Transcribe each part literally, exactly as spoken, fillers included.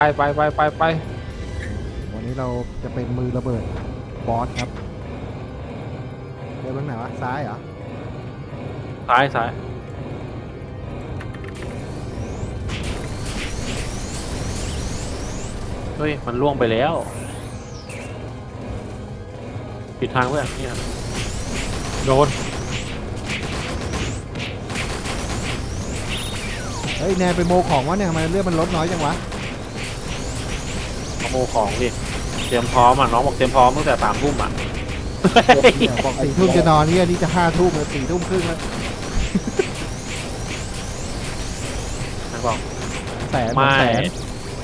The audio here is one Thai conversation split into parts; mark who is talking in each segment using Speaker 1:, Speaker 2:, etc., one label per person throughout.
Speaker 1: ไปไปไปไปไป
Speaker 2: วันนี้เราจะเป็นมือระเบิดบอสครับเดินไปไหนวะซ้ายเหรอ
Speaker 3: ซ้ายซ้ายเฮ้ยมันล่วงไปแล้วผิดทางเพื่อนนี่ครับโดน
Speaker 2: เฮ้ยแนนไปโมของวะเนี่ยทำไมเลือดมันลดน้อยจังวะ
Speaker 3: ขโมยของดิเตรียมพร้อมอ่ะน้องบอกเตรียมพร้อมตั้งแต่สามทุ่มอ่ะ
Speaker 2: เดี๋ยวบอกสี่ทุ่มจะนอนเนี่ยนี่จะห้าทุ่มแล้วสี่ทุ่มครึ่งแล้ว
Speaker 3: นะบอก
Speaker 2: แสน
Speaker 3: ไม่
Speaker 2: แสน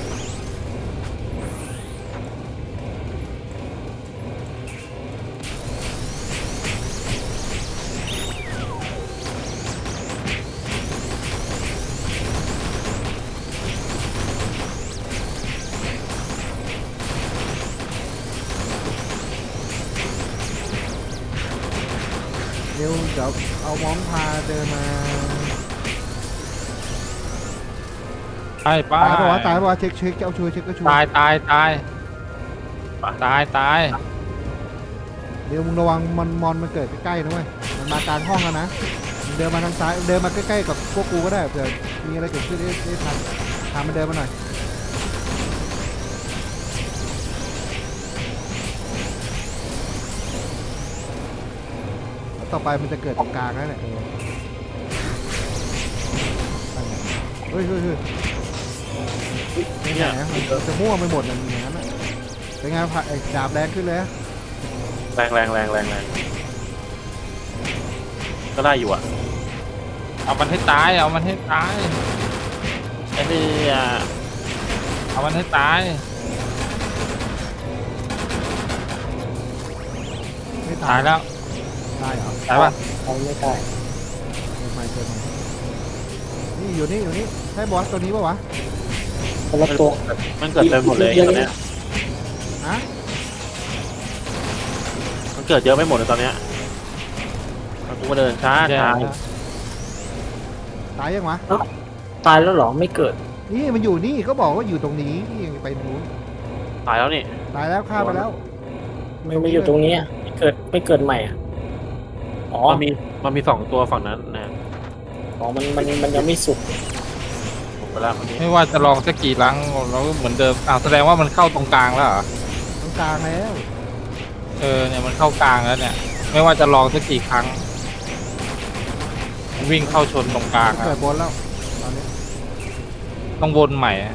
Speaker 2: เดี๋ยวเดี๋ยวเอามองพาเดินมา
Speaker 1: ไปไป
Speaker 2: ตายปะวะตายปะวะเช็คเช็คเอาช่วยเช็คก็ช่วย
Speaker 1: ตายตายตายตายตาย
Speaker 2: เดี๋ยวมึงระวังมันมอนมันเกิดใกล้ๆนะเว้ยมันมากลางห้องแล้วนะมึงเดินมาทางซ้ายเดินมาใกล้ๆกับพวกกูก็ได้เผื่อมีอะไรเกิดขึ้นได้ได้ทันทำมันเดินมาหน่อยแล้วต่อไปมันจะเกิดตรงกลางนั่นแหละเออนั่นไงเฮ้ยเฮ้ยเฮ้ยเป็นไง
Speaker 3: เนี่ย
Speaker 2: อะมันจะมั่วไปหมดเลยอย่างนั้นอะเป็นไงผ่าไอ้ดาบแรงขึ้นเลยอะ
Speaker 3: แรงแรงแรงแรงแรงก็ได้อยู่อ่ะ
Speaker 1: เอามันให้ตายเอามันให้ตาย
Speaker 3: ไอ้นี่อ่ะ
Speaker 1: เอามันให้ตาย
Speaker 2: ไม่
Speaker 1: ตายแล้ว
Speaker 2: ตายเหรอ
Speaker 1: ตายป่ะ
Speaker 4: เขาไม่ตาย
Speaker 2: เกิดใหม่เกิดใหม่นี่อยู่นี่อยู่นี่ใช่บอสตัวนี้ปะวะ
Speaker 4: คนละตัว
Speaker 3: มันเกิดเต็มหมดเลยตอนเนี้ย
Speaker 2: ฮะ
Speaker 3: มันเกิดเยอะไม่หมดเลยตอนเนี้ยมันกูมาเดินช้า
Speaker 1: แย่
Speaker 3: ช้า
Speaker 1: แล้ว
Speaker 2: ตายยังวะ
Speaker 4: ตายแล้วเหรอไม่เกิด
Speaker 2: นี่มันอยู่นี่ก็บอกว่าอยู่ตรงนี้นี่ยังไปนู้น
Speaker 3: ตายแล้วนี่
Speaker 2: ตายแล้วฆ่าไปแล้ว
Speaker 4: ไม่ไม่อยู่ตรงนี้อะไม่เกิดไม่เกิดใหม่อ่ะอ๋อ
Speaker 3: มันมีมันมีสองตัวฝั่งนั้นนะ
Speaker 4: อ๋อมันมันมันยังไม่สุก
Speaker 3: ผมไปแล้วคนนี้
Speaker 1: ไม่ว่าจะลองสักกี่ครั้งเราก็เหมือนเดิมอ้าวแสดงว่ามันเข้าตรงกลางแล้วเหรอ
Speaker 2: ตรงกลางแล้ว
Speaker 1: เออเนี่ยมันเข้ากลางแล้วเนี่ย ไม่ว่าจะลองสักกี่ครั้งมันวิ่งเข้าชนตรงกลาง
Speaker 2: มัน
Speaker 1: อะ
Speaker 2: เกิดบนแล้วตอนนี้
Speaker 1: ต้องวนใหม่อะ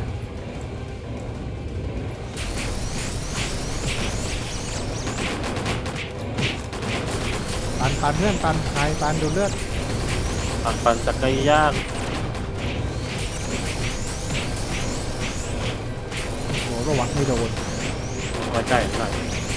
Speaker 2: ตันตันเพื่อนตันใครตันดูเลือด
Speaker 3: ปั่นปั่นจักรยาน
Speaker 2: โหระวังไม่โดน
Speaker 3: ไว้ใกล้ใกล้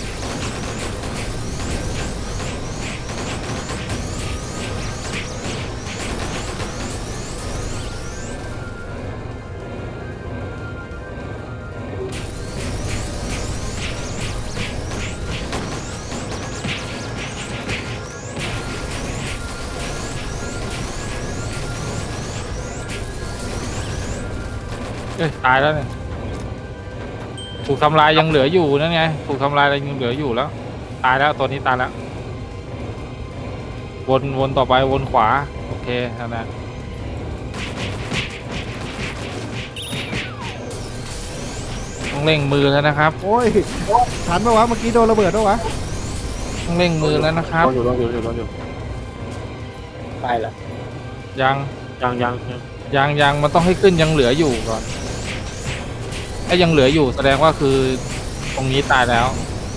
Speaker 1: เอ้ยตายแล้วเนี่ยถูกทำลายยังเหลืออยู่นั่นไงถูกทำลายยังเหลืออยู่แล้ว ตายแล้วตัวนี้ตายแล้ววนวนต่อไปวนขวาโอเคนั่นนะต้องเร่งมือแล้วนะครับ
Speaker 2: โอ้ยทันปะวะเมื่อกี้โดนระเบิดปะวะ
Speaker 1: ต้องเร่งมือแล้วนะครับ
Speaker 3: รออยู่รออยู่รออยู่
Speaker 4: ตายแล้ว
Speaker 1: ยัง
Speaker 3: ยังยังยัง
Speaker 1: ยังยังมันต้องให้ขึ้นยังเหลืออยู่ก่อนถ้ายังเหลืออยู่แสดงว่าคือตรงนี้ตายแล้ว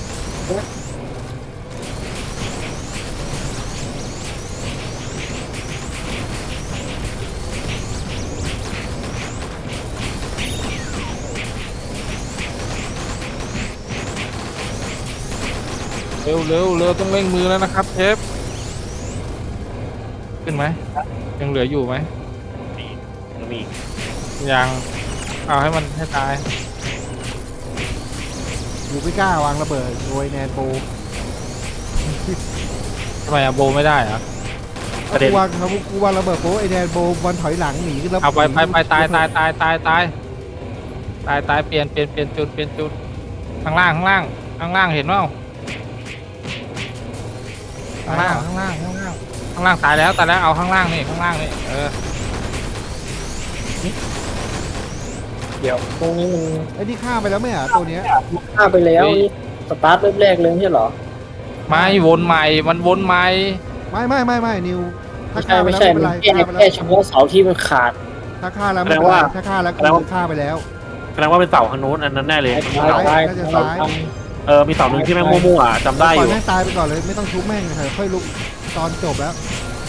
Speaker 1: เร็วเร็วเร็วต้องเร่งมือแล้วนะครับเชฟขึ้นไหมยังเหลืออยู่ไหม
Speaker 3: มียังมีอีก
Speaker 1: ยังเอาให้มันให้ตาย
Speaker 2: อยู่ไม่กล้าวางระเบิดโดยแนนโบ
Speaker 1: ทำไมอะโบไม่ได้เหรอ
Speaker 3: ประเด็น
Speaker 2: กูวางเขากูวางระเบิดโบไอแนนโบวันถอยหลังหนีขึ้นแล้ว
Speaker 1: เอาไปไปไปตายตายตายตายตายตายตายเปลี่ยนเปลี่ยนเปลี่ยนจุดเปลี่ยนจุดข้างล่างข้างล่างข้างล่างเห็นเปล่าข้างล่างข้างล่างข้างล่างข้างล่างตายแล้วตายแล้วเอาข้างล่างนี่ข้างล่างนี่เออ
Speaker 4: เดี๋ยวตรงนี้มัน
Speaker 2: ไอ้นี่ฆ่าไปแล้วไหมอ่ะตัวเนี้ย
Speaker 4: ฆ่าไปแล้วนี่สตาร์ทเริ่มแรกเลยไม่ใช่เหรอ
Speaker 1: ไม่วนใหม่มันวนใหม่
Speaker 2: ไม่ไม่ไม่ไม่นิวถ้า
Speaker 4: ไม่
Speaker 2: ฆ่า
Speaker 4: ใช่
Speaker 2: ไป
Speaker 4: ไม่
Speaker 2: แล้ว
Speaker 4: ใช่
Speaker 2: ไม่
Speaker 4: มั
Speaker 2: เป็น นไรฆ่าไป
Speaker 4: แค่แค่
Speaker 2: แล้ว
Speaker 4: เฉพาะเสาที่มันขาด
Speaker 2: ถ้าฆ่าแล้วไม่เป็นไรถ้าฆ่าแล้วคือฆ่าไปแล้ว
Speaker 3: แสดงว่าเป็นเสาทางโน้นอันนั้นแน่เลย
Speaker 4: ตายตาย
Speaker 2: น่าจะ
Speaker 4: ตา
Speaker 2: ซ้าย
Speaker 4: ย
Speaker 3: เออมีเสาหนึ่งที่แม่งมั่วๆอ่ะจำได้อ
Speaker 2: ปล่อย
Speaker 3: ยู่
Speaker 2: แม่งตายไปก่อนเลยไม่ต้องชุบแม่งเลยค่อยลุกตอนจบแล้ว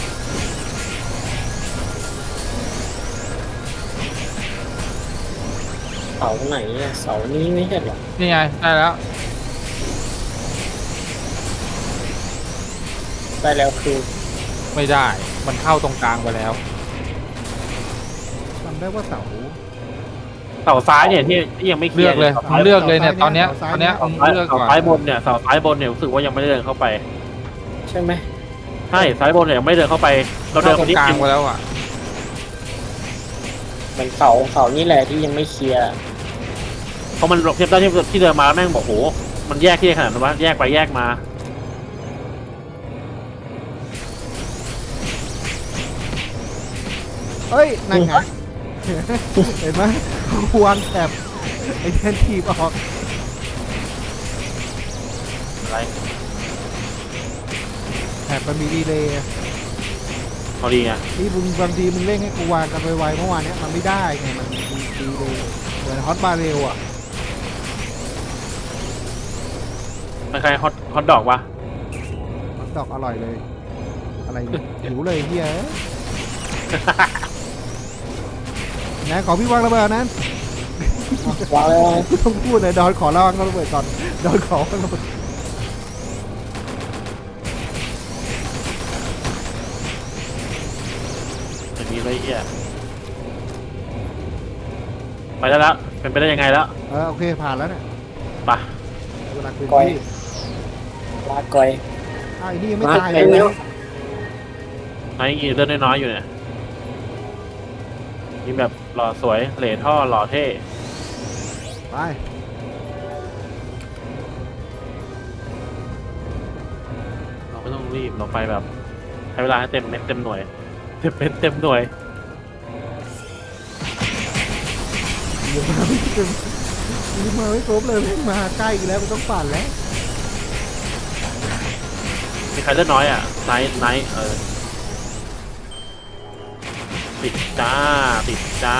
Speaker 4: เสาไหนเนี่ยเสานี้ไม่ใช่เหรอ
Speaker 1: นี่ไงได้แล้ว
Speaker 4: ได้แล้วคือ
Speaker 1: ไม่ได้มันเข้าตรงกลางไปแล้ว
Speaker 2: จำได้ว่าเสา
Speaker 3: เสาซ้ายเนี่ยที่ที่ยังไม่เคลี
Speaker 1: เลื
Speaker 3: ย
Speaker 1: อก
Speaker 3: ร์
Speaker 1: เลย
Speaker 3: เสา
Speaker 1: มึงเลือกเลยเนี่ยตอนเนี้ยตอนเนี้ย
Speaker 3: เสา
Speaker 1: มึง
Speaker 3: ซ้าย
Speaker 1: เลือก
Speaker 3: เสา
Speaker 1: ก่อน
Speaker 3: ซ้ายบนเนี่ยเสาซ้ายบนเนี่ยรู้สึกว่ายังไม่ได้เดินเข้าไป
Speaker 4: ใช่ไหม
Speaker 3: ใช่ซ้ายบนเนี่ยยังไม่ได้เดินเข้าไป เราเดิ
Speaker 1: เข้าน ตรง
Speaker 3: ไปนิด
Speaker 1: กลาง
Speaker 3: นึง
Speaker 1: ไปแล้วอ่ะ
Speaker 4: มันเสาเสานี่แหละที่ยังไม่เคลียร์
Speaker 3: เพราะมันเทียบได้ที่ที่เดินมาแล้วแม่งบอกโหมันแยกที่ขนาดนั้นวะแยกไปแยกมา
Speaker 2: เอ้ยนั่นไงเห็นไหมควงแถบไอ้แทนทีบออก
Speaker 3: อะไร
Speaker 2: แถบมันมีดีเลย์
Speaker 3: พอดีไง
Speaker 2: นี่มึงบางทีมึงเร่งให้กูวางกันไวๆเมื่อวานเนี้ยมันไม่ได้ไงมันมีดีเลย์เหมือนฮอตบาเรลอ่ะ
Speaker 3: มันใครฮอตฮอตดอกวะ
Speaker 2: ฮอตดอกอร่อยเลย อะไรเนี่ยหิวเลยเฮียไหนขอพี่วางระเบิดนั้น
Speaker 4: วางแล้ว
Speaker 2: ต้องพูดเลยดอนขอระวังระเบิดก่อนดอนขอระเบิด
Speaker 3: จะมีอะไรเอี้ยไปได้แล้วเป็นไปได้ยังไงแล้ว
Speaker 2: เออโอเคผ่านแล้วเนี่ย
Speaker 3: ไป
Speaker 2: เวลาคืน
Speaker 4: ก้อย
Speaker 2: ที่
Speaker 4: ลาก้อย
Speaker 2: อ้าวไอ้นี่ยังไม่
Speaker 4: มา
Speaker 2: ตาย
Speaker 4: ไป
Speaker 2: เลย
Speaker 4: เร็ว
Speaker 2: นะ
Speaker 3: ไอ้ยีเลือดน้อยๆอยู่เนี่ยยิงแบบหล่อสวยเหล่ท่อหล่อเท่
Speaker 2: ไป
Speaker 3: เราไม่ต้องรีบเราไปแบบใช้เวลาให้เต็มเม็ดเต็มหน่วยเต็มเม็ดเต็มหน่วย
Speaker 2: เดี๋ยวมาไม่เต็มยังมาไม่ครบเลยแม่งมาใกล้อีกแล้วมันต้องปั่นแล้ว
Speaker 3: มีใครเลือดน้อยอ่ะไนท์ไนท์เออติดจ้าติดจ้า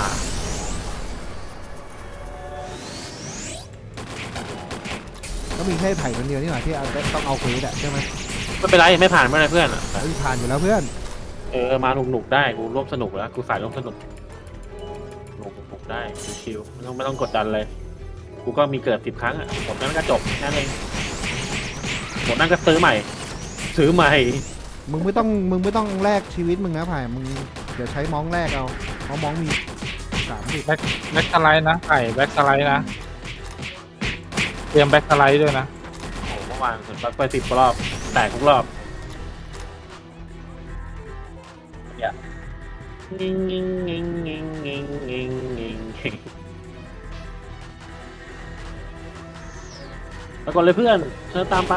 Speaker 2: ก็มีแค่ไผ่คนเดียวนี่หว่าที่เอาต้องเอาเควสอะใช่ไหม
Speaker 3: ไม่เป็นไรไม่ผ่านไม่เป็นไรเพื่อนอะ
Speaker 2: เฮ้ยผ่านอยู่แล้วเพื่อน
Speaker 3: เออมาหนุกหนุกๆได้กูร่วมสนุกแล้วกูสายร่วมสนุกหนุกหนุกได้ชิวๆไม่ต้องไม่ต้องกดดันเลย กูก็มีเกิดสิบครั้งอ่ะหมดนั้นก็จบแค่นั้นเองหมดนั้นก็ซื้อใหม่ ซื้อใหม่
Speaker 2: มึงไม่ต้องมึงไม่ต้องแลกชีวิตมึงนะไผ่มึงเดี๋ยวใช้มองแลกเอาเพราะมองมีสามสิบ
Speaker 1: แบ็คแบ็คสไลด์นะไก่แบ็คสไลด์นะเตรียมแบ็คสไลด์ด้วยนะ
Speaker 3: โอ้โหเมื่อวานถึงไปสิบรอบแตกทุกรอบอย่างิงงิงงิงงิงงิงงิงงิงงิงแล้วก่อนเลยเพื่อนเชิญตามไป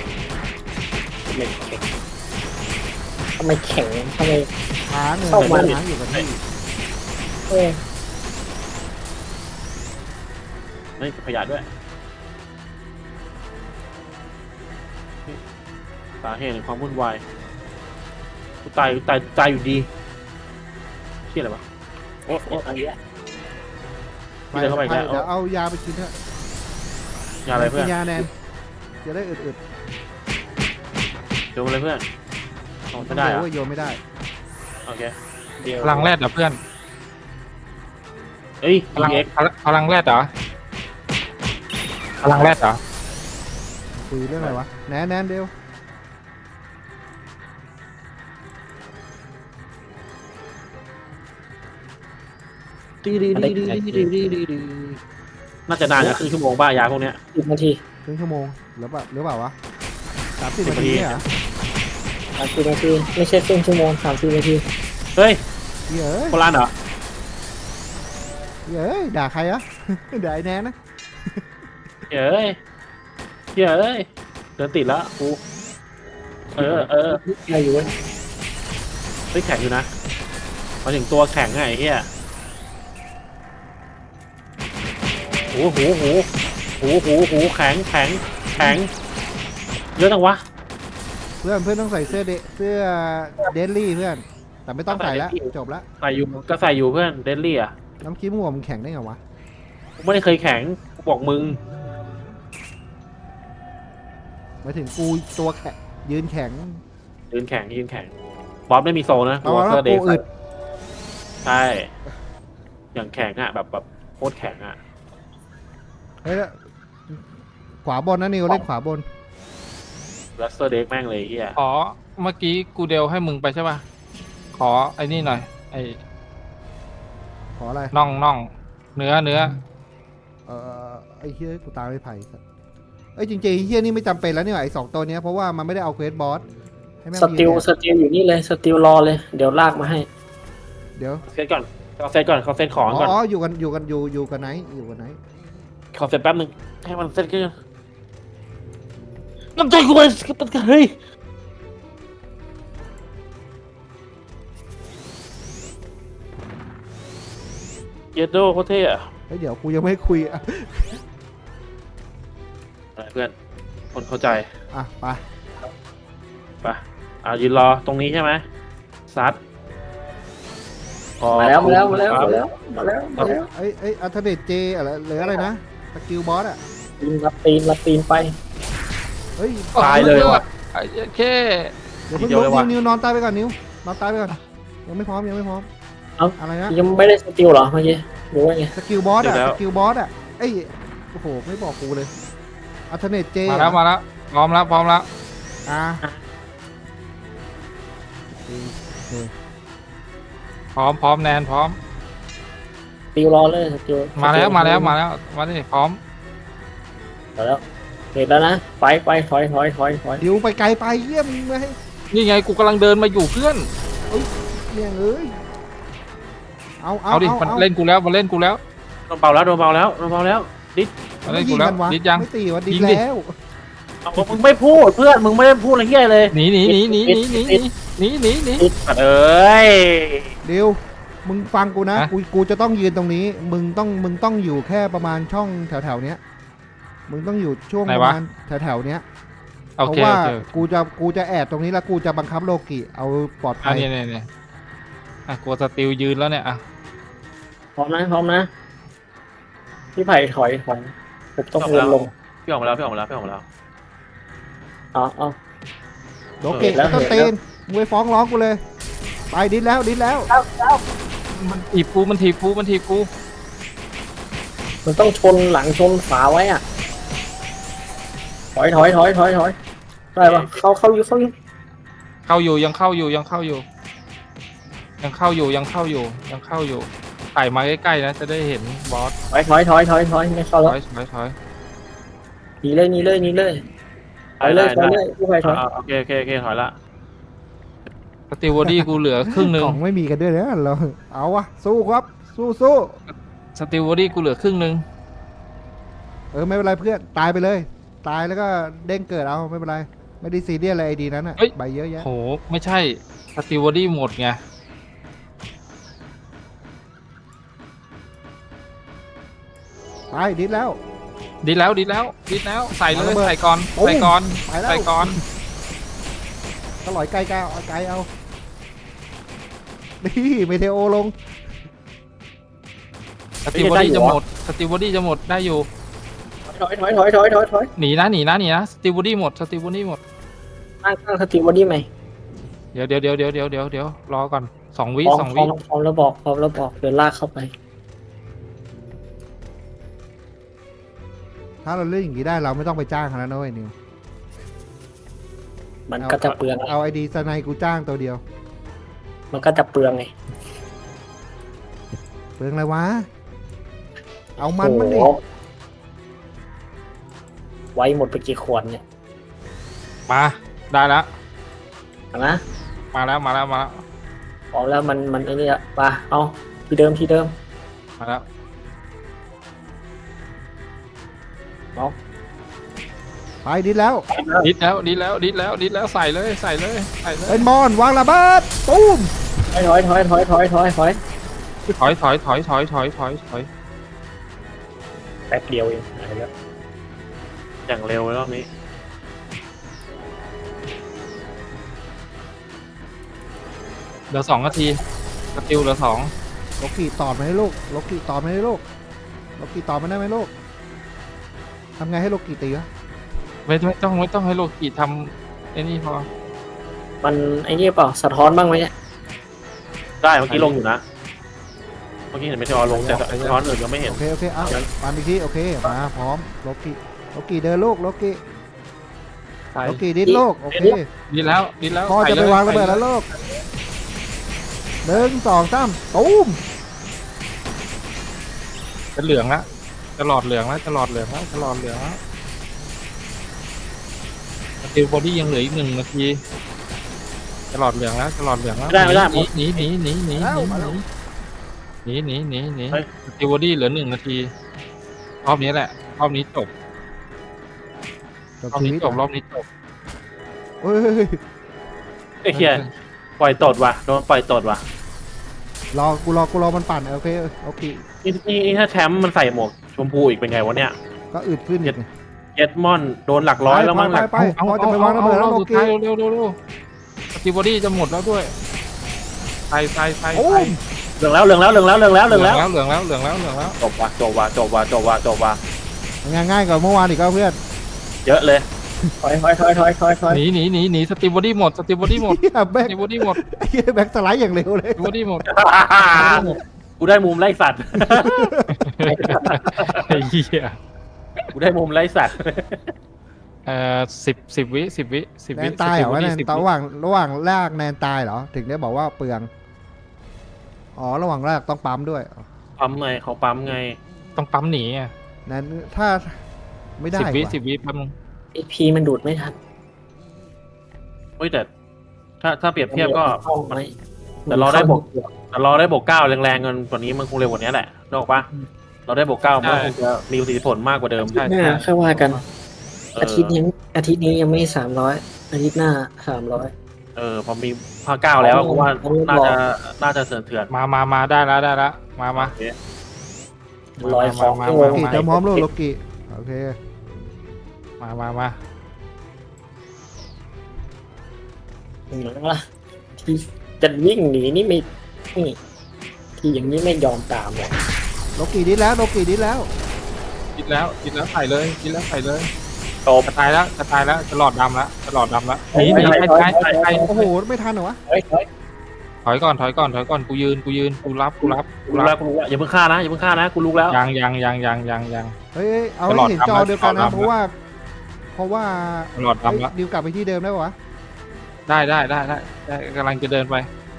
Speaker 4: ทำไมแข็งทำไม
Speaker 2: ค้างเลย
Speaker 4: เข้ามา
Speaker 2: ค้างอยู่กับที่
Speaker 4: เออ
Speaker 3: ไม่ขยะด้วยสาเหตุแห่งความวุ่นวายกูตายกูตายตายอยู่ดีเชี่ยอะไรวะโอ้โอ้อันนี้
Speaker 2: ไป
Speaker 3: พี่เดินเข้าไปอีก
Speaker 2: ไป
Speaker 3: แล้ว
Speaker 2: เดี๋ยวเอายาไปกินเถอะ
Speaker 3: ยาอะไรเพื่อน
Speaker 2: กินยาแนนจะได้อึด
Speaker 3: โยนอะไรเพื่อนโอ้
Speaker 2: ๆ
Speaker 3: ไม่ได้เหร
Speaker 2: เยว
Speaker 3: อะ
Speaker 2: ว่าโยนไม่ได้
Speaker 3: โอเค
Speaker 4: เดี๋ยว
Speaker 1: พลังแรดเหรอเพื่อน
Speaker 3: เอ้ย
Speaker 1: พลัง
Speaker 3: เอ็ก
Speaker 1: พลังพลังแรดเหรอพลังแรดเหรอ
Speaker 2: คุยเรื่องอะไรวะแนนแนนเดียว
Speaker 3: ดีดีดีดีดีดีดีดีน่าจะนานนะครึ่งชั่วโมงบ้ายาพวกเนี้ย
Speaker 4: สิบนาที
Speaker 2: ครึ่งชั่วโมงหรือเปล่าหรือเปล่าวะสามสิบ
Speaker 3: สิบ
Speaker 2: นาที
Speaker 3: นาที
Speaker 2: เนี่ยเหรอ
Speaker 4: สามสิบนาทีไม่ใช่ครึ่งชั่วโมงสามสิบนาที
Speaker 3: เฮ้ย
Speaker 2: เหี้ยเอ้ย
Speaker 3: โบราณเหรอ
Speaker 2: เหี้ยเอ้ยด่าใครอะเดี๋ยวไอ้แนนนะ
Speaker 3: เฮ้ยเฮ้ยเดินติดแล้วกูเออเออ
Speaker 4: อะไรอยู่เว้ย
Speaker 3: เฮ้ยแข็งอยู่นะมาถึงตัวแข็งไงไอ้เฮียโอ้โหโหโหโหโหแข็งแข็งแข็งเยอะจังวะ
Speaker 2: เพื่อนเพื่อนต้องใส่เสื้อเดเสื้อเดนลี่เพื่อนแต่ไม่ต้องใส่แล้วจบละ
Speaker 3: ใส่อยู่ก็ใส่อยู่เพื่อนเดนลี่อ่ะ
Speaker 2: น้ำคิดมั่วมึงแข่งได้ไงวะ
Speaker 3: กูไม่ได้เคยแข็งกูบอกมึง
Speaker 2: หมายถึงกูตัวแข็งยืนแข็ง
Speaker 3: ยืนแข็งยืนแข็งบอสไม่มีโซนะ
Speaker 2: เอา
Speaker 3: วอ
Speaker 2: แล้
Speaker 3: เตอ
Speaker 2: ว
Speaker 3: ร์เด
Speaker 2: กู
Speaker 3: ย์
Speaker 2: อึด
Speaker 3: ใช่อย่างแข็งอ่ะแบบแบบโคตรแข็งอ่ะ
Speaker 2: เฮ้ยแล้วขวาบนนะนิวเล่นขวาบน
Speaker 3: วอเตอร์เดย์แม่งเลยไอ้เฮีย
Speaker 1: ขอเมื่อกี้กูเดลให้มึงไปใช่ป่ะขอไอ้นี่หน่อยไอ้
Speaker 2: ขออะไร
Speaker 1: น่องน่องเนื้อเนื้อ
Speaker 2: เออไอ้เฮียกูตามไม่ไผ่สัสเอ้ยจริงๆไอ้เฮียนี่ไม่จำเป็นแล้วนี่หว่าไอ้สองตัวเนี้ยเพราะว่ามันไม่ได้เอาเควสบอสให้แม่ง
Speaker 4: ส
Speaker 2: ยืน
Speaker 4: ติล
Speaker 2: เนี่ย
Speaker 4: สติลอยู่นี่เลยสติลรอเลยเดี๋ยวลากมาให้
Speaker 2: เดี๋ยว
Speaker 3: เซตก่อนเขาเซตก่อนเขาเซตของ
Speaker 2: อ๋
Speaker 3: ก่อน
Speaker 2: ออยู่กันอยู่กันอยู่อยู่กันไหนอยู่กันไหน
Speaker 3: ขอเซตแป๊บนึงให้มันเซตกันน้ำใจกูเลยเฮ้ยเยดโดโคตรเท่อะ
Speaker 2: เฮ้ยเดี๋ยวกูยังไม่คุยอ่ะ
Speaker 3: อะไรเพื่อนคนเข้าใจ
Speaker 2: อ่ะไป
Speaker 3: ไปอ่ายืนรอตรงนี้ใช่ไหมซัดขอบ
Speaker 4: มาแล้วมาแล้วมาแล้ว
Speaker 3: คุณ
Speaker 4: มา
Speaker 3: ค
Speaker 4: แล้
Speaker 3: รับ
Speaker 4: วมาแล้วมาแล้ว
Speaker 2: ไอ้ไอ้อัลเทอร์เนทเจอะไรหรืออะไรนะสกิลบอสอ่ะ
Speaker 4: ตีนรับตีนรับตีนไป
Speaker 2: เฮ้ย
Speaker 3: ตายเลยว่ะ
Speaker 1: ไอ้แค่
Speaker 2: เดี๋ยวเพิ่ง
Speaker 3: ทีเดียว
Speaker 2: ลุ
Speaker 3: เล
Speaker 2: ก
Speaker 3: ยว่ะ
Speaker 2: นิวนิวนอนตายไปก่อนนิวนอนตายไปก่อนยังไม่พร้อมยังไม่พร้อมอะไรนะ
Speaker 4: ยังไม่ได้สติลเหรอเมื่อกี้หรือว่าไง
Speaker 2: สกิลบอสอ่ะสกิลบอสอ่ะเอ้ยโอ้โหไม่บอกกูเลยอัลเทอร์เนทเจ
Speaker 1: มาแล้วมาแล้วพร้อมแล้วพร้อมแล้ว
Speaker 2: อ่ะ
Speaker 1: พร้อมพร้อมแนนพร้อม
Speaker 4: สติลรอเลยสติล
Speaker 1: มาแล้วมาแล้วมาแล้วมาดิพร้อม
Speaker 4: มาแล้วเห็นแล้วนะไปไปถอยถอยถอยถอย
Speaker 2: ดิวไปไกลไปเยี่ยมไม่ให้
Speaker 1: นี่ไงกูกำลังเดินมาอยู่เพื่อน
Speaker 2: เนี่ยเอ้ยเอาเอา
Speaker 1: เอาดิ
Speaker 2: เอา
Speaker 1: มัน
Speaker 2: เอา
Speaker 1: เล่นกูแล้วมันเล่นกูแล้ว
Speaker 3: โดนเบาแล้วโดนเบาแล้วโดนเบาแล้วดิ
Speaker 1: มันเล่นกูแล้ว
Speaker 2: มันวะ
Speaker 1: ดิดยัง
Speaker 2: ไม่ตีวะดิ
Speaker 1: ยิ
Speaker 2: ด
Speaker 1: งดิ
Speaker 2: แล้ว
Speaker 3: เอามึงไม่พูดเพื่อนมึงไม่ได้พูดอะไรเฮียเลย
Speaker 1: หนีหนีหนีหนีหนีหนีหนีหนีหนี
Speaker 3: เอ้ย
Speaker 2: ดิวมึงฟังกูนะ
Speaker 1: ฮะ
Speaker 2: กูกูจะต้องยืนตรงนี้ มึงต้องมึงต้องอยู่แค่ประมาณช่องแถวแถวๆเนี้ยมึงต้องอยู่ช่วงประมาณแถวแถวๆเนี้ย
Speaker 1: โอ
Speaker 2: เพราะ
Speaker 1: เค
Speaker 2: ว่า
Speaker 1: โอเค
Speaker 2: กูจะกูจะแอบตรงนี้แล้วกูจะบังคับโลกิเอาปลอด
Speaker 1: อั
Speaker 2: ภั
Speaker 1: น
Speaker 2: ย
Speaker 1: นี้เนี่ยเนี่ยอ่ะกูสติลยืนแล้วเนี่ยอ่ะ
Speaker 4: พร้อมนะพร้อมนะพี่ไผ่ถอยถอยผมต้องวนลง
Speaker 3: พี่ออกมาแล้วพี่ออกมาแล้วพี่ออกมาแล้ว
Speaker 4: เอาเอา
Speaker 2: โลกิ
Speaker 4: เห็นแล้ว
Speaker 2: ไม่ต้อง
Speaker 4: เห็นแล้ว
Speaker 2: ตีนมึงไปฟ้องร้องกูเลย ไปดิดแล้วดิดแล้ว
Speaker 1: มันถีบกูมันถีบกูมันถีบกู
Speaker 4: มันต้องชนหลังชนฝาไว้อ่ะถอยถอยถอยถอยถอยได้ปะเข้าเข้าอยู่เข้าอยู่
Speaker 1: เข้าอยู่ยังเข้าอยู่ยังเข้าอยู่ ยังเข้าอยู่ยังเข้าอยู่ยังเข้าอยู่ไต่มาใกล้ๆนะจะได้เห็นบอส
Speaker 4: ถอยถอยถอยถอยถอยไม่เข้า
Speaker 1: ถ
Speaker 4: แล้ว
Speaker 1: อยถอยถอย
Speaker 4: หนีเลยหนีเลยหนีเลยถอยเลยถอยเลยพี่ไผ่ถอย
Speaker 3: อ่าโอเคโอเคโอเคถอยละ
Speaker 1: สติวอดี้กูเหลือครึ่งหนึ่ง
Speaker 2: ของไม่มีกันด้วยนะเราเอาวะสู้ครับสู้สู้
Speaker 1: สติวอดี้กูเหลือครึ่งหนึ่ง
Speaker 2: เออไม่เป็นไรเพื่อนตายไปเลย ตายแล้วก็เด้งเกิดเอาไม่เป็นไรไม่ได้ซีเรียสอะไรไอดีนั้นอ่ะใบเยอะแยะ
Speaker 1: โหไม่ใช่สติวอดี้หมดไง
Speaker 2: ไปดิดแล้ว
Speaker 1: ดีแล้วดีแล้วดีแล้วใส่เล
Speaker 2: เอาระ
Speaker 1: ย
Speaker 2: เบิด
Speaker 1: ใส่ก่อน
Speaker 2: ปุ้ง
Speaker 1: ใส่ก่อน
Speaker 2: ไปแล้ว
Speaker 1: ใส่ก่อน
Speaker 2: ก็ลอยไกลไกลเอาไกลเอานี่เมเทโอลง
Speaker 1: สติวอดี้จะหมดสติวอดี้จะหมดได้อยู่
Speaker 4: ถอยถอยถอยถอยถอยถอย
Speaker 1: หนีนะหนีนะหนีนะสติวอดี้หมดสติวอดี้หมด
Speaker 4: ตั้งตั้งสติบอดี้ไหม
Speaker 1: เดี๋ยวเดี๋ยวเดี๋ยวเดี๋ยวเดี๋ยวเดี๋ยวเดี๋ยวรอก่อนสองวิ
Speaker 4: พร้อม
Speaker 1: สอง
Speaker 4: พร้อ
Speaker 1: วิ
Speaker 4: มพร้อมแล้วบอกพร้อมแล้วบอกเดี๋ยวลากเข้าไป
Speaker 2: ถ้าเราเล่นอย่างนี้ได้เราไม่ต้องไปจ้างเขาแล้วนะเว้ยนิว
Speaker 4: มันก็จะเปลืองไง
Speaker 2: เอาไอดีสไนกูจ้างตัวเดียว
Speaker 4: มันก็จะเปลืองไง
Speaker 2: เปลืองอะไรวะเอามันมันดิ
Speaker 4: โอ้โหไว้หมดไปกี่ขวดเนี่ย
Speaker 1: มาได้แล้ว
Speaker 4: เอานะ
Speaker 1: มาแล้วมาแล้วมาแล้ว
Speaker 4: พร้อมแล้วมันมันไอ้นี่ละไปเอาที่เดิมที่เดิม
Speaker 1: มาแล้ว
Speaker 2: ไปดิดแล้ว
Speaker 1: ดิดแล้วดิดแล้วดิดแล้วดิดแล้วใส่เลยใส่เลยใส่เลย
Speaker 2: เป็นมอนวางระเบิดตูม
Speaker 4: ถอยถอยถอยถอยถอยถอยถอย
Speaker 1: ถอยถอยถอยถอยถอยถอยถอย
Speaker 4: แป๊บเดียวเองหายแล้ว
Speaker 3: อย่างเร็วรอบนี้
Speaker 1: เหลือสองนาทีสติลเหลือสอง
Speaker 2: โลกิตอดมาให้ลูกโลกิตอดมาให้ลูกโลกิตอดมาได้ไหมลูกทำไงให้โลกิตีวะ
Speaker 1: ไม่ไม่ต้องไม่ต้องให้โลกิทำไอ้นี่พอ
Speaker 4: มันไอ้นี่เปล่าสะท้อนบ้างไหมเนี่ย
Speaker 3: ได้เมื่อกี้ลงอยู่นะเมื่อกี้เห็นไม่ใช่ว่าลงแต่ร้อนอื่นยังไม่เห็น
Speaker 2: โอเคโอเคเอาปานอีกทีโอเคมาพร้อมโลกิโลกิเดินลูกโลกิ
Speaker 1: ใส่
Speaker 2: โลกิดิดลูกโอเค
Speaker 1: ดิดแล้วดิดแล้ว
Speaker 2: พอจะไปวางระเบิดแล้วลูกหนึ่งสองสามตูม
Speaker 1: จะเหลืองละจะหลอดเหลืองแล้วจะหลอดเหลืองแล้วจะหลอดเหลืองแล้วสติลบอดี้ยังเหลืออีกหนึ่งนาทีจะหลอดเหลืองแล้วจะหลอดเหลืองแล้ว
Speaker 3: ไม่ได้ไม่ได้
Speaker 1: หนีหนีหนีหนีหนีหนีหนีหนีหนีหนีสติลบอดี้เหลือหนึ่งนาทีรอบนี้แหละรอบนี้จบ
Speaker 2: จบ
Speaker 1: รอบ
Speaker 2: ชี
Speaker 1: นี้
Speaker 2: วิต
Speaker 1: จบรอบนี้จบ
Speaker 2: เฮ้ย
Speaker 3: ไอ้เหี้ยปล่อยตดว่ะโดนปล่อยตดว่ะ
Speaker 2: รอกูรอกูรอมันปั่นโอเคโอเค
Speaker 3: นี่นี่นี่ถ้าแชมป์มันใส่หมวกชมพูอีกเป็นไงวะเนี่ย
Speaker 2: ก็อึดขึ้นอีก
Speaker 3: เจ็ดมอนโดนหลักร้อยแล้วมั้งหลัก
Speaker 2: ไปพอจะไปวางระเบิดแล้วโล
Speaker 1: สุด
Speaker 2: กิ
Speaker 1: ท้ายเร็วเร็วเร็วสติลบอดี้จะหมดแล้วด้วยใส่ใส่ใส่
Speaker 2: โอ้
Speaker 1: ใส่
Speaker 2: ม
Speaker 3: เหลืองแล้วเหลืองแล้วเหลืองแล้วเหลืองแล้วเหลืองแล้ว
Speaker 1: เหลืองแล้วเหลืองแล้วเหลืองแล้ว
Speaker 3: จบว่ะจบว่ะจบว่ะจบว่ะจบว่ะ
Speaker 2: ง่ายง่ายกว่าเมื่อวานอีกก็เพื่อน
Speaker 3: เยอะเลย
Speaker 4: ถอยถอยถอยถอยถอยถอย
Speaker 1: หนีหนีหนีหนีสติลบอดี้หมดสติลบอดี้หมด
Speaker 2: เฮีย
Speaker 1: ส
Speaker 2: แบ็ค
Speaker 1: ติลบอดี้หมด
Speaker 2: เฮียแบ็คสไลด์อย่างเร็วเลย
Speaker 1: สติลบอดี้หมด
Speaker 3: กูได้มุมไล่สัตว์
Speaker 1: ไอ้เหี้ย
Speaker 3: กูได้มุมไล่สัตว์
Speaker 1: เอ่อสิบสิบวิสิบวิสิบ
Speaker 2: แน
Speaker 1: วิ
Speaker 2: นตายเหรอวะแนน
Speaker 1: สิบ
Speaker 2: ตาย
Speaker 1: วิ
Speaker 2: ระหว่างระหว่างลากแนนตายเหรอถึงได้บอกว่าเปลืองอ๋อระหว่างลากต้องปั๊มด้วย
Speaker 3: ปั๊มไงเขาปั๊มไง
Speaker 1: ต้องปั๊มหนีอ่ะ
Speaker 2: แนนถ้าไม่ได้
Speaker 1: สิบวิ
Speaker 2: ว่ะ
Speaker 1: สิบวิแป๊บนึง
Speaker 4: ไอพีมันดูดไม่ทัน
Speaker 3: เฮ้ยแต่ถ้าถ้าเปรียบเทียบก็
Speaker 4: เข้าไหม
Speaker 3: แต่เราได้บวก แต่เราได้บวกเก้าแรงๆเงินกว่านี้มันคงเร็วกว่านี้แหละนึกออกปะเราได้บวกเก้ามันคงจะมีประสิทธิผลมากกว่าเดิม
Speaker 1: ใช่
Speaker 4: หน้า
Speaker 1: ใช่
Speaker 4: ค่อยว่ากัน
Speaker 3: เออ
Speaker 4: อาทิตย์นี้อาทิตย์นี้ยังไม่สามร้อยอาทิตย์หน้าสามร้อย
Speaker 3: เออพอมีภาคเก้าแล้วผมว่าน่าจะน่าจะเถื่อนเถื่อน
Speaker 1: มามามาได้แล้วได้แล้วมามา
Speaker 3: โอเค
Speaker 4: ร้อยของ
Speaker 1: มา
Speaker 4: ที่
Speaker 1: มา
Speaker 2: โลกิเตรียมพร้อมลูกโลกิโอเค
Speaker 1: มามามา
Speaker 4: หนีแล้วล่ะที่จะวิ่งหนีนี่ไม่นี่ที่อย่างนี้ไม่ยอมตามเลย
Speaker 2: โลกิดิดแล้วโลกิดิดแล้ว
Speaker 1: คิดแล้วคิดแล้วใส่เลยคิดแล้วใส่เลย
Speaker 3: จบ
Speaker 1: จะตายแล้วจะตายแล้วจะหลอดดำแล้วจะหลอดดำแล้วหนีหนีไปไปไปไป
Speaker 2: โอ้โหไม่ทันเหรอวะ
Speaker 4: เฮ้ยเฮ้ย
Speaker 1: ถอยก่อนถอยก่อนถอยก่อนกูยืนกูยืนกูรับกูรับ
Speaker 3: กูรู้แล้วกูรู้แล้วอย่าเพิ่งฆ่านะอย่าเพิ่งฆ่านะกูรู้แล้ว
Speaker 1: ยังยังยังยังยังยัง
Speaker 2: เฮ้ยเอา
Speaker 1: ตลอ
Speaker 2: ให้
Speaker 1: ด
Speaker 2: เห็น
Speaker 1: ทำ
Speaker 2: จอ
Speaker 1: แล้ว
Speaker 2: เดียวกัน
Speaker 1: ตล
Speaker 2: นะ
Speaker 1: อดทำ
Speaker 2: เพราะว่า เพราะว่า
Speaker 1: จะหลอดดำแล้ว
Speaker 2: เฮ้ยดิวกลับไปที่เดิมได้ปะวะ
Speaker 1: ได้ได้ได้ได้ได้กำลังจะเดินไป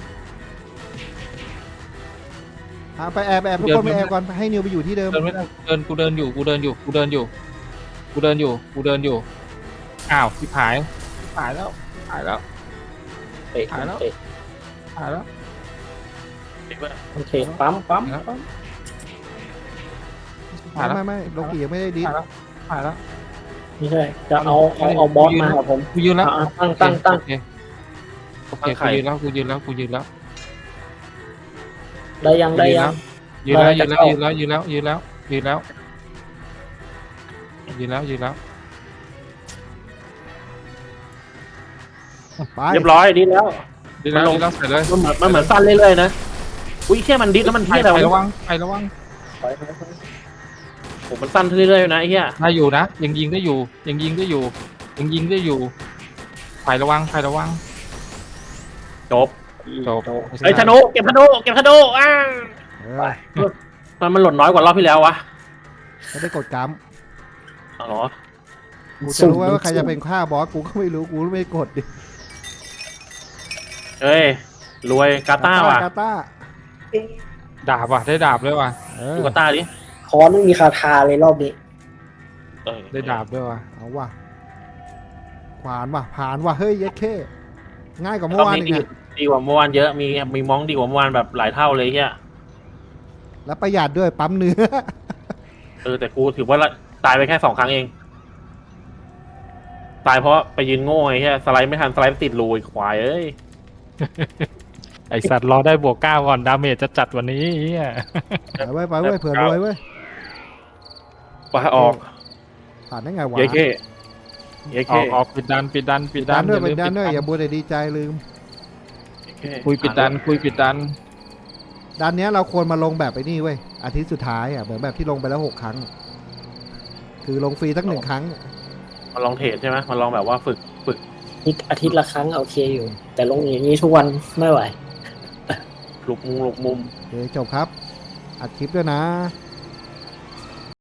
Speaker 2: อ่ะไปแอบแอบทุกคนไปแอบก่อนให้นิวไปอยู่ที่เดิม
Speaker 1: เดินไม่ได้เดินกูเดินอยู่กูเดินอยู่กูเดินอยู่กูเดินอยู่กูเดินอยู่อ้าวที่หายหายแล้วหายแล้ว
Speaker 4: เตะ
Speaker 1: หายแล้ว
Speaker 4: เตะ
Speaker 1: หายแล้ว
Speaker 4: โอเคปั๊มปั๊ม
Speaker 1: หายแล้วหายแล้ว
Speaker 2: ไม่ไม่ไม่โลกิยังไม่ได้ดิส
Speaker 1: หายแล้วหายแล้ว
Speaker 4: ไม่ใช่จะเอาเอาเอาบอสมาครับผม
Speaker 1: กูยืนแล้ว
Speaker 4: อ่ะตั้งตั้งตั้ง
Speaker 1: โอเคโอเคกูยืนแล้วกูยืนแล้วกูยืนแล้ว
Speaker 4: ได้ยังได้ยัง
Speaker 1: ยืนแล้วยืนแล้ว
Speaker 4: ได้
Speaker 1: ยืนแล้วยืนแล้วยืนแล้วยืนแล้วยืนแล้วยืนแล้ว
Speaker 2: ไป
Speaker 3: เรียบร้อยดีแล้ว
Speaker 1: ยืนแล้วยืนแล้วใส่เลย
Speaker 3: มันเหมือนมันเหมือนสั้นเรื่อยๆนะอุ้ยแค่มันดิสแล้วมัน
Speaker 1: ไป
Speaker 3: เที่ยอะไร
Speaker 1: ไประ
Speaker 3: วะ
Speaker 1: วังไประวัง
Speaker 4: ถอยถอยถอย
Speaker 3: ผมมันสั้นเรื่อยๆนะไอ้เหี้ย
Speaker 1: ได้อยู่นะยังยิงได้อยู่ยังยิงได้อยู่ยังยิงได้อยู่ไประวังไประวัง
Speaker 3: จบ
Speaker 1: จบ
Speaker 3: ไอ้ยธนูเก็บธนูเก็บธนูอ้า
Speaker 2: เอ
Speaker 4: ไป
Speaker 2: อ
Speaker 3: มันมันหล่นน้อยกว่ารอบที่แล้ววะ
Speaker 2: ไม่ได้กดกรรม
Speaker 3: อ๋อ
Speaker 2: กูจะรู้ว่าใครจะเป็นฆ่าบอสกูก็ไม่รู้กูไม่กดดิ
Speaker 3: เอ้ยรวยกาตาว่ะ
Speaker 2: กาตา
Speaker 1: ดาบว่ะได้ดาบด้วยว่ะ
Speaker 2: เออ
Speaker 3: ดูกาตาดิ
Speaker 4: คอนไม่มีคาถาเลยรอบนี้
Speaker 3: เออ
Speaker 1: ได้ดาบด้วยว่ะ
Speaker 2: เอาว่ะขวานว่ะผ่านว่ะเฮ้ยเย็ดเข้ง่ายกว่าเมื่
Speaker 3: ร
Speaker 2: อ
Speaker 3: อบ
Speaker 2: วาน
Speaker 3: นี้
Speaker 2: อีก
Speaker 3: ดี
Speaker 2: นะ
Speaker 3: ดีกว่าเมื่อวานเยอะมีมีมองดีกว่าเมื่อวานแบบหลายเท่าเลยเฮีย
Speaker 2: แล้วประหยัดด้วยปั๊มเนื้อ
Speaker 3: เออแต่กูถือว่าละตายไปแค่สองครั้งเอง ตายเพราะไปยืนโง่ไอ้เหี้ยสไลด์ไม่ทันสไลด์ติดรูไอ้ควายเอ้ย
Speaker 1: ไอสัตว์รอได้บวกเก้าก่อนดาเมจจะจัดวันนี้เฮีย
Speaker 2: ไปไว้ไปไว้เผื่อรวยเว้ย
Speaker 3: ปาออก
Speaker 2: ผ่านได้ไงวะ
Speaker 3: เยเคเย
Speaker 1: อ
Speaker 3: เค
Speaker 1: อกออกปิดดันปิดดันปิดดั
Speaker 2: ดันด้วย
Speaker 1: อ
Speaker 2: เป็น
Speaker 1: ลืม
Speaker 2: ดันด้วย
Speaker 1: ปิ
Speaker 2: อย่าบัวแต่ดีใจลืม
Speaker 1: คุยปิดดันคุยปิดดัน
Speaker 2: ดันเนี้ยเราควรมาลงแบบไอ้นี่เว้ยอาทิตย์สุดท้ายอ่ะเหมือนแบบที่ลงไปแล้วหกครั้ง คือลงฟรีสักหนึ่งครั้ง
Speaker 3: มาลองเทรดใช่ไหมมาลองแบบว่าฝึกฝึก
Speaker 4: อีกอาทิตย์ละครั้งโอเคอยู่ แต่ลงอย่างนี้ทุกวันไม่ไหว
Speaker 3: หลุกมุมหลุกมุม
Speaker 2: โอเคจบครับ อัดคลิปด้วยนะ
Speaker 3: โ